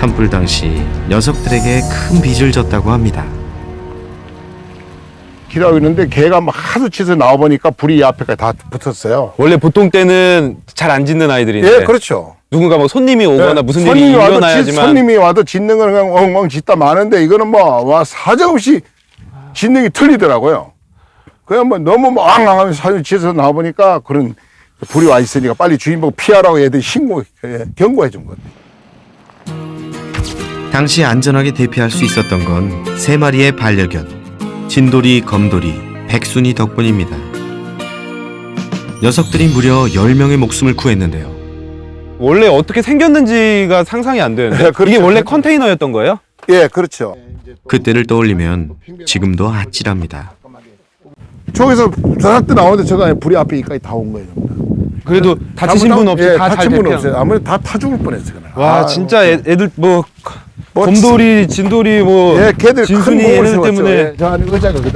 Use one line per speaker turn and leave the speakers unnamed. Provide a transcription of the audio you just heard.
산불 당시 녀석들에게 큰 빚을 졌다고 합니다.
길하고 있는데 개가 막 하도 치서 나와보니까 불이 이 앞에까지 다 붙었어요.
원래 보통 때는 잘 안 짖는 아이들인데
예, 그렇죠.
누군가 뭐 손님이 오거나 무슨 일이
손님이 와도
일어나야지만
손님이 와도 짖는 거는 그냥 엉엉 짖다 마는데 이거는 뭐 와 사정없이 짖는 게 틀리더라고요. 그냥 뭐 너무 뭐 앙앙하면서 사진 치서 나와보니까 그런 불이 와 있으니까 빨리 주인 보고 피하라고 애들이 경고해 준 거예요.
당시 안전하게 대피할 수 있었던 건 3마리의 반려견 진돌이, 검돌이, 백순이 덕분입니다. 녀석들이 무려 10명의 목숨을 구했는데요.
원래 어떻게 생겼는지가 상상이 안 되는데
네, 그렇죠.
이게 원래 컨테이너였던 거예요?
예, 그렇죠.
그때를 떠올리면 지금도 아찔합니다.
저기서 저한테 나오는데 저가 불이 앞에 여기까지 다 온 거예요.
그래도 다치신 분 없이
예,
다 잘
다친 분
대피한
없어요. 아무래도 다 타 죽을 뻔했어요. 그날.
와 진짜 애들 뭐
뭐
곰돌이, 진돌이 뭐
예, 걔들 큰
진순이
몸을
얘네들
세웠죠.
때문에
예, 저 안에 의자가